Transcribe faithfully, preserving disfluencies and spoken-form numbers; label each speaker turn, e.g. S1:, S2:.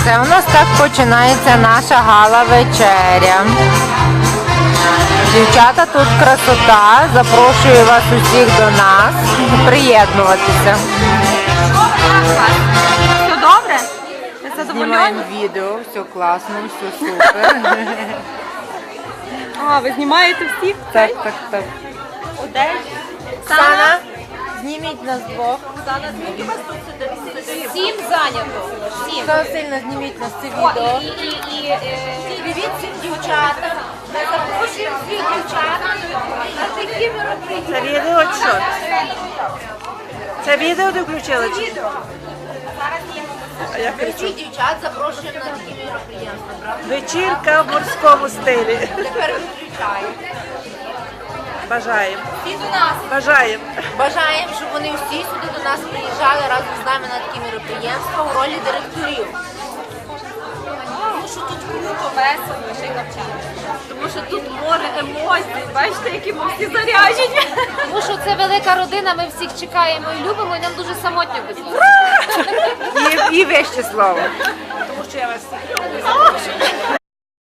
S1: Це у нас так починається наша гала-вечеря. Дівчата, тут красота. Запрошую вас усіх до нас приєднуватися.
S2: Все добре? Ви
S1: Знімаємо
S2: задоволені?
S1: відео, все класно, все супер.
S2: А, ви знімаєте всіх?
S1: Так, так, так.
S2: Одесь?
S1: Оксана, зніміть нас двох.
S3: Сім зайнято. Сім.
S1: Оксана Васильівна, зніміть нас це
S3: О,
S1: відео.
S3: і, і, і, е, привіт всім дівчатам. Ми запрошуємо всіх дівчат на такі мероприятия.
S2: Це відео чи що? Це відео ти включила? Чи? А я
S3: Ми
S2: кричу.
S3: всіх дівчат запрошуємо на такі мероприятия, правда?
S2: Вечірка в морському стилі.
S3: Тепер виключаємо.
S2: Бажаємо.
S3: Всі до нас.
S2: Бажаємо.
S3: Бажаємо, щоб вони всі сюди до нас приїжджали разом з нами на такі мероприємства у ролі директорів. Тому що тут круто, весело, ще й навчання.
S2: Тому що тут море емоцій. Бачите, які ми всі заряджені.
S4: Тому що це велика родина, ми всіх чекаємо і любимо, і нам дуже самотньо без вас.
S1: І, і вище слово.
S2: Тому що я вас всіх люблю.